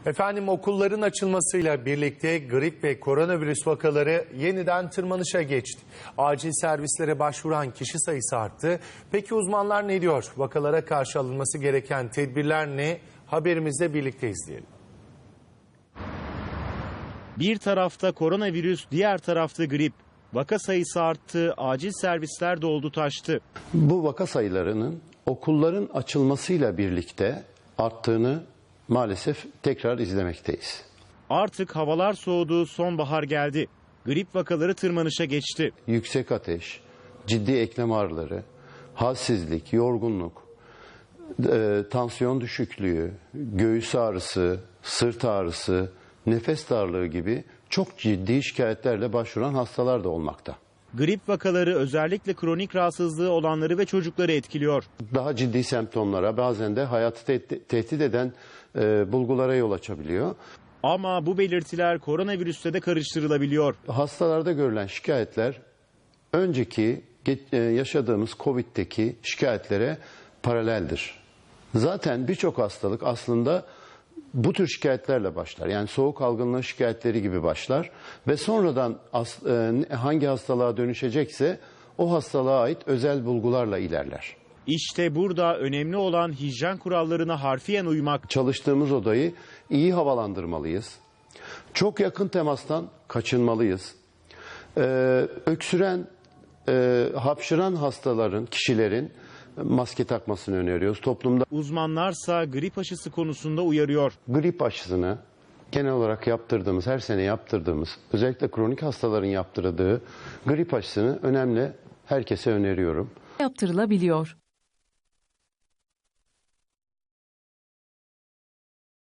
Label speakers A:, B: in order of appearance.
A: Efendim okulların açılmasıyla birlikte grip ve koronavirüs vakaları yeniden tırmanışa geçti. Acil servislere başvuran kişi sayısı arttı. Peki uzmanlar ne diyor? Vakalara karşı alınması gereken tedbirler ne? Haberimizde birlikte izleyelim.
B: Bir tarafta koronavirüs, diğer tarafta grip. Vaka sayısı arttı, acil servisler doldu taştı.
C: Bu vaka sayılarının okulların açılmasıyla birlikte arttığını maalesef tekrar izlemekteyiz.
B: Artık havalar soğudu, sonbahar geldi. Grip vakaları tırmanışa geçti.
C: Yüksek ateş, ciddi eklem ağrıları, halsizlik, yorgunluk, tansiyon düşüklüğü, göğüs ağrısı, sırt ağrısı, nefes darlığı gibi çok ciddi şikayetlerle başvuran hastalar da olmakta.
B: Grip vakaları özellikle kronik rahatsızlığı olanları ve çocukları etkiliyor.
C: Daha ciddi semptomlara, bazen de hayatı tehdit eden bulgulara yol açabiliyor.
B: Ama bu belirtiler koronavirüste de karıştırılabiliyor.
C: Hastalarda görülen şikayetler önceki yaşadığımız Covid'deki şikayetlere paraleldir. Zaten birçok hastalık aslında bu tür şikayetlerle başlar. Yani soğuk algınlığı şikayetleri gibi başlar ve sonradan hangi hastalığa dönüşecekse o hastalığa ait özel bulgularla ilerler.
B: İşte burada önemli olan hijyen kurallarına harfiyen uymak.
C: Çalıştığımız odayı iyi havalandırmalıyız. Çok yakın temastan kaçınmalıyız. Öksüren, hapşıran kişilerin maske takmasını öneriyoruz. Toplumda
B: Uzmanlarsa grip aşısı konusunda uyarıyor.
C: grip aşısını genel olarak yaptırdığımız, her sene yaptırdığımız, özellikle kronik hastaların yaptırdığı grip aşısını herkese öneriyorum.
D: Yaptırılabiliyor.